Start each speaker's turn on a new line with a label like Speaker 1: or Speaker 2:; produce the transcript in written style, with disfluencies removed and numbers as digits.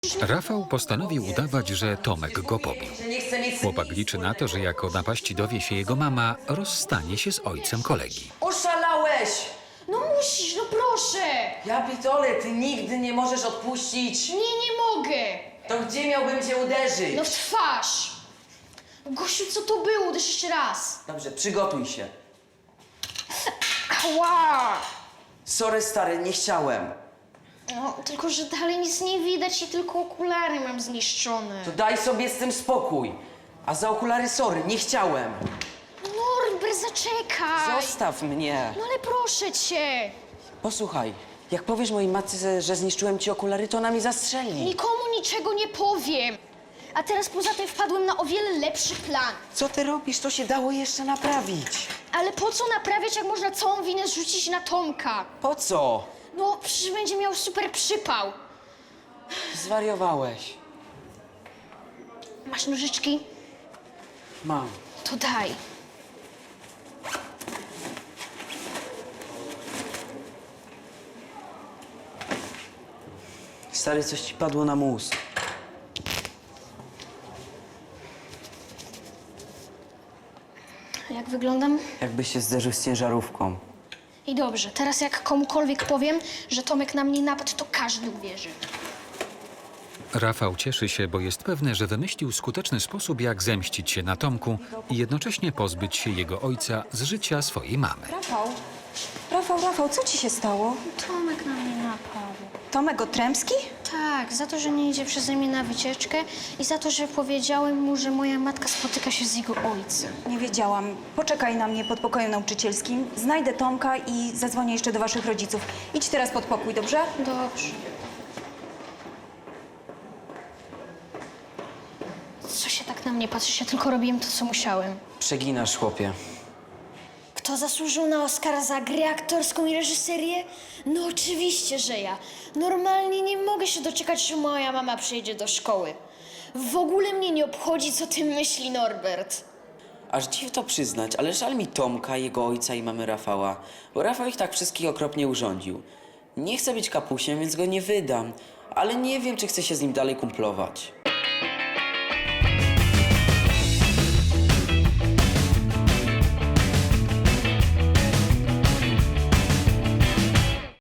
Speaker 1: Rafał postanowił udawać, że Tomek go pobił. Chłopak liczy na to, że jak o napaści dowie się jego mama, rozstanie się z ojcem kolegi.
Speaker 2: Oszalałeś!
Speaker 3: No musisz, no proszę!
Speaker 2: Ja pitole, ty nigdy nie możesz odpuścić.
Speaker 3: Nie mogę!
Speaker 2: To gdzie miałbym cię uderzyć?
Speaker 3: No w twarz! Gosiu, co to było? Uderz jeszcze raz.
Speaker 2: Dobrze, przygotuj się.
Speaker 3: Ała!
Speaker 2: Sorry stary, nie chciałem.
Speaker 3: No, tylko że dalej nic nie widać i tylko okulary mam zniszczone.
Speaker 2: To daj sobie z tym spokój. A za okulary sorry, nie chciałem.
Speaker 3: Norbert, zaczekaj!
Speaker 2: Zostaw mnie.
Speaker 3: No ale proszę cię!
Speaker 2: Posłuchaj, jak powiesz mojej matce, że zniszczyłem ci okulary, to ona mi zastrzeli.
Speaker 3: Nikomu niczego nie powiem! A teraz poza tym wpadłem na o wiele lepszy plan.
Speaker 2: Co ty robisz? To się dało jeszcze naprawić.
Speaker 3: Ale po co naprawiać, jak można całą winę zrzucić na Tomka?
Speaker 2: Po co?
Speaker 3: No, przecież będzie miał super przypał.
Speaker 2: Zwariowałeś.
Speaker 3: Masz nożyczki?
Speaker 2: Mam.
Speaker 3: To daj.
Speaker 2: Stary, coś ci padło na mózg.
Speaker 3: Jak wyglądam?
Speaker 2: Jakbyś się zderzył z ciężarówką.
Speaker 3: I dobrze, teraz jak komukolwiek powiem, że Tomek na mnie napadł, to każdy uwierzy.
Speaker 1: Rafał cieszy się, bo jest pewny, że wymyślił skuteczny sposób, jak zemścić się na Tomku i jednocześnie pozbyć się jego ojca z życia swojej mamy.
Speaker 4: Rafał, co ci się stało?
Speaker 3: Tomek na mnie napadł.
Speaker 4: Tomek Otrębski?
Speaker 3: Tak, za to, że nie idzie przeze mnie na wycieczkę i za to, że powiedziałem mu, że moja matka spotyka się z jego ojcem.
Speaker 4: Nie wiedziałam. Poczekaj na mnie pod pokojem nauczycielskim. Znajdę Tomka i zadzwonię jeszcze do waszych rodziców. Idź teraz pod pokój, dobrze?
Speaker 3: Dobrze. Co się tak na mnie patrzysz? Ja tylko robiłem to, co musiałem.
Speaker 2: Przeginasz, chłopie.
Speaker 3: Kto zasłużył na Oscara za grę aktorską i reżyserię? No oczywiście, że ja. Normalnie nie mogę się doczekać, że moja mama przyjedzie do szkoły. W ogóle mnie nie obchodzi, co ty myśli Norbert.
Speaker 2: Aż dziw to przyznać, ale żal mi Tomka, jego ojca i mamy Rafała, bo Rafał ich tak wszystkich okropnie urządził. Nie chcę być kapusiem, więc go nie wydam, ale nie wiem, czy chcę się z nim dalej kumplować.